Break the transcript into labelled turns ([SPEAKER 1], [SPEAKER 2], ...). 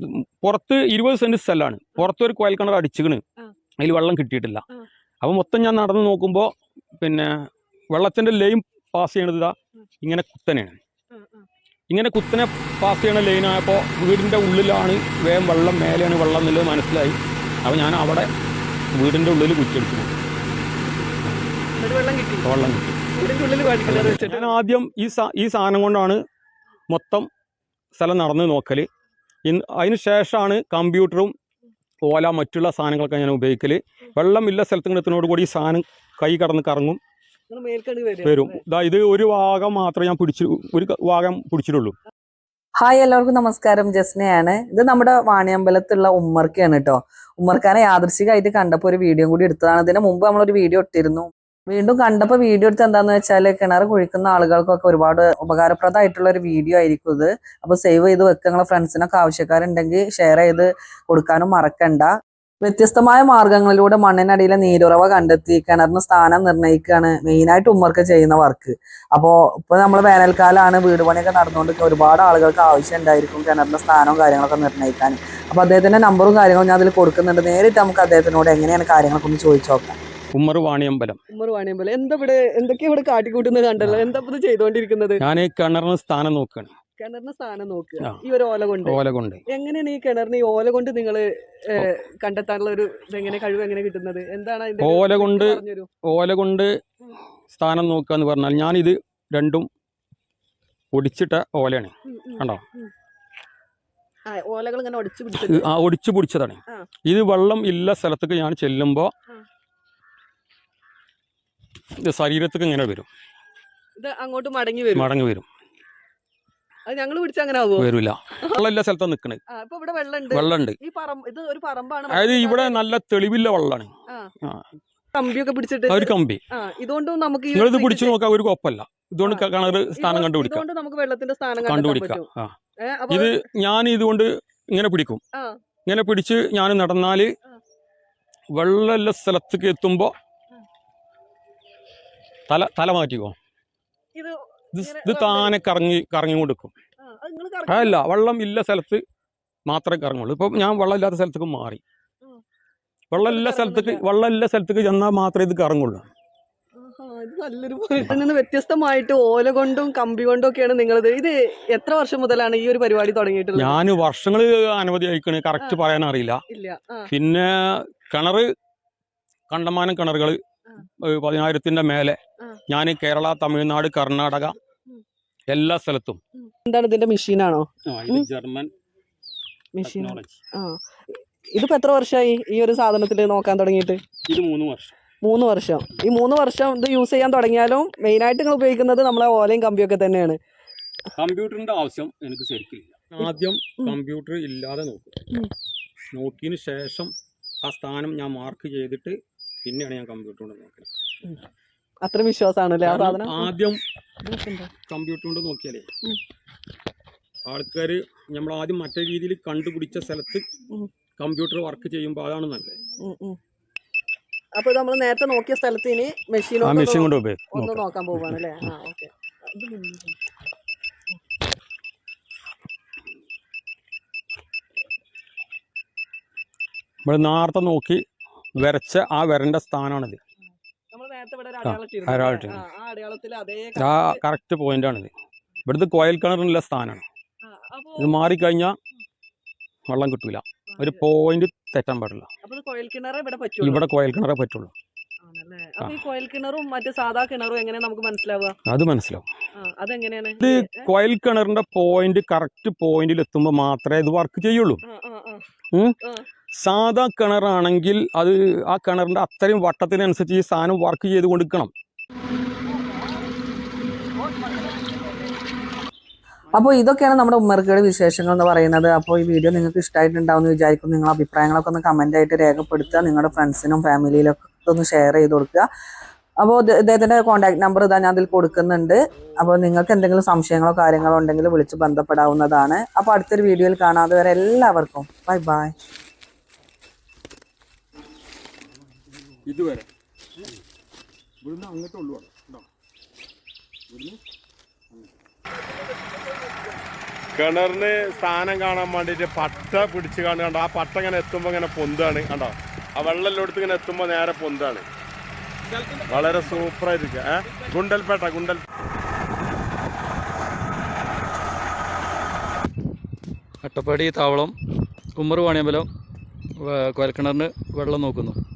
[SPEAKER 1] പുറത്ത് 20 സെന്റ് സ്ഥലമാണ്. പുറത്തൊരു കോയൽ കിണർ അടിച്ചിക്കണ്, അതിൽ വെള്ളം കിട്ടിയിട്ടില്ല. അപ്പോൾ മൊത്തം ഞാൻ നടന്ന് നോക്കുമ്പോൾ പിന്നെ വെള്ളത്തിൻ്റെ ലൈൻ പാസ് ചെയ്യണത് ഇതാ ഇങ്ങനെ കുത്തനെയാണ്. ഇങ്ങനെ കുത്തനെ പാസ് ചെയ്യണ ലൈനായപ്പോൾ വീടിൻ്റെ ഉള്ളിലാണ് വേഗം വെള്ളം, മേലെയാണ് വെള്ളം എന്നുള്ളത് മനസ്സിലായി. അപ്പോൾ ഞാൻ അവിടെ വീടിൻ്റെ ഉള്ളിൽ കുറ്റിയടിച്ചു പോകും. വെള്ളം കിട്ടി. ഞാൻ ആദ്യം ഈ സാധനം കൊണ്ടാണ് മൊത്തം സ്ഥലം നടന്ന് നോക്കൽ. അതിന് ശേഷമാണ് കമ്പ്യൂട്ടറും ഓല മറ്റുള്ള സാധനങ്ങളൊക്കെ ഞാൻ ഉപയോഗിക്കൽ. വെള്ളമില്ല സ്ഥലത്ത് എത്തുന്നതോട് കൂടി ഈ സാധനം കൈ കടന്ന് കറങ്ങും, വരും. ഇത് ഒരു ഭാഗം മാത്രമേ ഞാൻ ഒരു ഭാഗം പിടിച്ചിട്ടുള്ളൂ.
[SPEAKER 2] ഹായ്, എല്ലാവർക്കും നമസ്കാരം. ജസ്നയാണ്. ഇത് നമ്മുടെ വാണിയമ്പലത്തുള്ള ഉമ്മർക്കാണ് കേട്ടോ. ഉമ്മർക്കാനെ യാദൃശികമായിട്ട് കണ്ടപ്പോൾ ഒരു വീഡിയോ കൂടി എടുത്തതാണ്. ഇതിന് മുമ്പ് നമ്മളൊരു വീഡിയോ ഇട്ടിരുന്നു. വീണ്ടും കണ്ടപ്പോൾ വീഡിയോ എടുത്ത് എന്താന്ന് വെച്ചാൽ കിണർ കുഴിക്കുന്ന ആളുകൾക്കൊക്കെ ഒരുപാട് ഉപകാരപ്രദമായിട്ടുള്ള ഒരു വീഡിയോ ആയിരിക്കും ഇത്. അപ്പോൾ സേവ് ചെയ്ത് വെക്കുക. നിങ്ങളെ ഫ്രണ്ട്സിനൊക്കെ ആവശ്യക്കാരുണ്ടെങ്കിൽ ഷെയർ ചെയ്ത് കൊടുക്കാനും മറക്കണ്ട. വ്യത്യസ്തമായ മാർഗങ്ങളിലൂടെ മണ്ണിനടിയിലെ നീരുറവ കണ്ടെത്തി കിണറിന് സ്ഥാനം നിർണ്ണയിക്കുകയാണ് മെയിനായിട്ട് ഉമ്മർക്ക് ചെയ്യുന്ന വർക്ക്. അപ്പോൾ ഇപ്പോൾ നമ്മൾ വേനൽക്കാലമാണ്, വീട് പണിയൊക്കെ നടന്നുകൊണ്ട് ഒരുപാട് ആളുകൾക്ക് ആവശ്യം ഉണ്ടായിരിക്കും കിണറിന്റെ സ്ഥാനവും കാര്യങ്ങളൊക്കെ നിർണ്ണയിക്കാൻ. അപ്പോൾ അദ്ദേഹത്തിന്റെ നമ്പറും കാര്യങ്ങളും ഞാൻ അതിൽ കൊടുക്കുന്നുണ്ട്. നേരിട്ട് നമുക്ക് അദ്ദേഹത്തിനോട് എങ്ങനെയാണ് കാര്യങ്ങളൊക്കെ ഒന്ന് ചോദിച്ചു നോക്കാം.
[SPEAKER 1] ഉമ്മർ വാണിയമ്പലം.
[SPEAKER 2] എന്താ ഇവിടെ എന്തൊക്കെയാ ഇവിടെ കാട്ടിക്കൂട്ടുന്നത് കണ്ടല്ലോ? എന്താ ഇത് ചെയ്തോണ്ടിരിക്കുന്നത്?
[SPEAKER 1] ഞാൻ കിണറിന് സ്ഥാനം നോക്കുകയാണ്.
[SPEAKER 2] കിണറിന് സ്ഥാനം നോക്കുക ഈ ഒരു ഓല കൊണ്ട്. എങ്ങനെയാണ് ഈ കിണറിന് ഈ ഓല കൊണ്ട് നിങ്ങൾ കണ്ടെത്താനുള്ള ഒരു എങ്ങനെ കഴിവ് എങ്ങനെ കിട്ടുന്നത്? എന്താണ് അതിന്റെ
[SPEAKER 1] ഓല കൊണ്ട് സ്ഥാനം നോക്കുക എന്ന് പറഞ്ഞാൽ ഞാൻ ഇത് രണ്ടും ഒടിച്ചിട്ട ഓലയാണ്. കണ്ടോ,
[SPEAKER 2] ഓലകൾ ഇങ്ങനെ
[SPEAKER 1] ഒടിച്ചു പിടിച്ചതാണ്. ഇത് വെള്ളം ഇല്ല സ്ഥലത്തേക്ക് ഞാൻ ചെല്ലുമ്പോ ഇത് ശരീരത്തേക്ക് ഇങ്ങനെ വരും,
[SPEAKER 2] ഇത് അങ്ങോട്ട് മടങ്ങി
[SPEAKER 1] വരും.
[SPEAKER 2] ഞങ്ങൾ പിടിച്ച അങ്ങനെ
[SPEAKER 1] വരില്ല. വെള്ളമില്ല സ്ഥലത്താണ് നിക്കണത്. വെള്ളമുണ്ട്. അതായത് ഇവിടെ നല്ല തെളിവില്ല വെള്ളമാണ്.
[SPEAKER 2] കമ്പിയൊക്കെ പിടിച്ചിട്ട്
[SPEAKER 1] ഒരു കമ്പി
[SPEAKER 2] ഇതുകൊണ്ടും നമുക്ക്
[SPEAKER 1] നിങ്ങളിത് പിടിച്ചു നോക്കാം, ഒരു കുഴപ്പമില്ല. ഇതുകൊണ്ട് കിണർ സ്ഥാനം കണ്ടുപിടിക്കാം.
[SPEAKER 2] നമുക്ക് വെള്ളത്തിന്റെ സ്ഥാനം
[SPEAKER 1] ഇത് ഞാൻ ഇതുകൊണ്ട് ഇങ്ങനെ പിടിക്കും. ഇങ്ങനെ പിടിച്ച് ഞാൻ നടന്നാല് വെള്ളമുള്ള സ്ഥലത്തേക്ക് എത്തുമ്പോ തല മാറ്റിക്കോ. ഇത് താനെ കറങ്ങി കൊടുക്കും. അതല്ല, വെള്ളം ഇല്ല സ്ഥലത്ത് മാത്രമേ കറങ്ങുള്ളൂ. ഇപ്പൊ ഞാൻ വെള്ളം ഇല്ലാത്ത സ്ഥലത്തേക്ക് മാറി. വെള്ളം സ്ഥലത്തേക്ക് ചെന്നാൽ മാത്രമേ ഇത് കറങ്ങുള്ളൂ.
[SPEAKER 2] വ്യത്യസ്തമായിട്ട് ഓല കൊണ്ടും കമ്പി കൊണ്ടും ഒക്കെയാണ് നിങ്ങളിത്. ഇത് എത്ര വർഷം മുതലാണ് ഈ ഒരു പരിപാടി തുടങ്ങിയിട്ടുള്ളത്?
[SPEAKER 1] ഞാൻ വർഷങ്ങള് അനവധി അയക്കണേ, കറക്റ്റ് പറയാൻ അറിയില്ല. പിന്നെ കണ്ടമാനം കിണറുകള് 10,000-ന്റെ മേലെ ഞാൻ കേരള, തമിഴ്നാട്, കർണാടക എല്ലാ സ്ഥലത്തും.
[SPEAKER 2] എന്താണ് ഇതിന്റെ മെഷീനാണോ?
[SPEAKER 1] German machine.
[SPEAKER 2] ഇതിപ്പോ എത്ര വർഷമായി ഈ ഒരു സാധനത്തിൽ നോക്കാൻ തുടങ്ങിയിട്ട്?
[SPEAKER 1] ഇത് 3 വർഷം.
[SPEAKER 2] 3 വർഷം. ഈ 3 വർഷം ഇത് യൂസ് ചെയ്യാൻ തുടങ്ങിയാലും മെയിനായിട്ട് നിങ്ങൾ ഉപയോഗിക്കുന്നത് നമ്മളെ ഓലയും കമ്പിയൊക്കെ തന്നെയാണ്.
[SPEAKER 1] കമ്പ്യൂട്ടറിന്റെ ആവശ്യം എനിക്ക് ശരിക്കില്ല. ആദ്യം കമ്പ്യൂട്ടർ ഇല്ലാതെ നോക്കിയതിന് ശേഷം ആ സ്ഥാനം ഞാൻ മാർക്ക് ചെയ്തിട്ട് പിന്നെയാണ് ഞാൻ കമ്പ്യൂട്ടർ കൊണ്ട് നോക്കുന്നത്.
[SPEAKER 2] അത്ര വിശ്വാസമാണല്ലേ ആ സാധനം?
[SPEAKER 1] ആദ്യം കമ്പ്യൂട്ടർ കൊണ്ട് നോക്കിയാലേ ആൾക്കാര് നമ്മൾ ആദ്യം മറ്റേ രീതിയിൽ കണ്ടുപിടിച്ച സ്ഥലത്ത് കമ്പ്യൂട്ടർ വർക്ക് ചെയ്യുമ്പോൾ അതാണ് നല്ലത്.
[SPEAKER 2] അപ്പൊ നമ്മൾ നേരത്തെ നോക്കിയ സ്ഥലത്ത് ഇനി മെഷീൻ കൊണ്ട് ഒന്ന് നോക്കാൻ പോവാണ് അല്ലേ?
[SPEAKER 1] നമ്മൾ നേരത്തെ നോക്കി വരച്ച ആ വരന്റെ സ്ഥാനമാണിത്. ആ കറക്റ്റ് പോയിന്റാണിത്. ഇവിടുത്തെ കോയൽ കിണറിനുള്ള സ്ഥാനമാണ്. ഇത് മാറിക്കഴിഞ്ഞാൽ വെള്ളം കിട്ടൂല. ഒരു പോയിന്റ് തെറ്റാൻ പാടില്ല. ഇവിടെ കോയൽ കിണറേ പറ്റുള്ളൂ. അത് മനസ്സിലാവും. ഇത് കോയൽ കിണറിന്റെ പോയിന്റ് കറക്റ്റ് പോയിന്റിൽ എത്തുമ്പോ മാത്രമേ ഇത് വർക്ക് ചെയ്യുള്ളൂ. സാധാ കിണറാണെങ്കിൽ അത് ആ കിണറിന്റെ അത്രയും വട്ടത്തിനനുസരിച്ച് ഈ സാധനം വർക്ക് ചെയ്ത് കൊടുക്കണം.
[SPEAKER 2] അപ്പോൾ ഇതൊക്കെയാണ് നമ്മുടെ ഉമ്മർക്കയുടെ വിശേഷങ്ങൾ എന്ന് പറയുന്നത്. അപ്പോൾ ഈ വീഡിയോ നിങ്ങൾക്ക് ഇഷ്ടമായിട്ടുണ്ടാവും എന്ന് വിചാരിക്കും. നിങ്ങളുടെ അഭിപ്രായങ്ങളൊക്കെ ഒന്ന് കമൻ്റ് ആയിട്ട് രേഖപ്പെടുത്തുക. നിങ്ങളുടെ ഫ്രണ്ട്സിനും ഫാമിലിയിലൊക്കെ ഒന്ന് ഷെയർ ചെയ്ത് കൊടുക്കുക. അപ്പോൾ ഇദ്ദേഹത്തിൻ്റെ കോൺടാക്ട് നമ്പർ ഇതാ ഞാൻ അതിൽ കൊടുക്കുന്നുണ്ട്. അപ്പോൾ നിങ്ങൾക്ക് എന്തെങ്കിലും സംശയങ്ങളോ കാര്യങ്ങളോ ഉണ്ടെങ്കിൽ വിളിച്ച് ബന്ധപ്പെടാവുന്നതാണ്. അപ്പോൾ അടുത്തൊരു വീഡിയോയിൽ കാണാതെ വരെ എല്ലാവർക്കും ബൈ ബൈ.
[SPEAKER 1] ഇതുവരെ ഇവിടുന്ന് അങ്ങോട്ടുള്ളൂ. ഇവിടുന്ന്
[SPEAKER 3] കിണറിന് സ്ഥാനം കാണാൻ വേണ്ടിയിട്ട് പട്ട പിടിച്ച് കണ്ടോ ആ പട്ട ഇങ്ങനെ എത്തുമ്പോൾ ഇങ്ങനെ പൊന്താണ് കണ്ടോ ആ വെള്ളം എല്ലായിടത്തും ഇങ്ങനെ എത്തുമ്പോൾ നേരെ പൊന്താണ് വളരെ സൂപ്പറായിരിക്കും ഗുണ്ടൽപേട്ട
[SPEAKER 4] അട്ടപ്പാടി താവളം ഉമ്മർ വാണിയമ്പലം കുഴൽക്കിണറിന് വെള്ളം നോക്കുന്നു.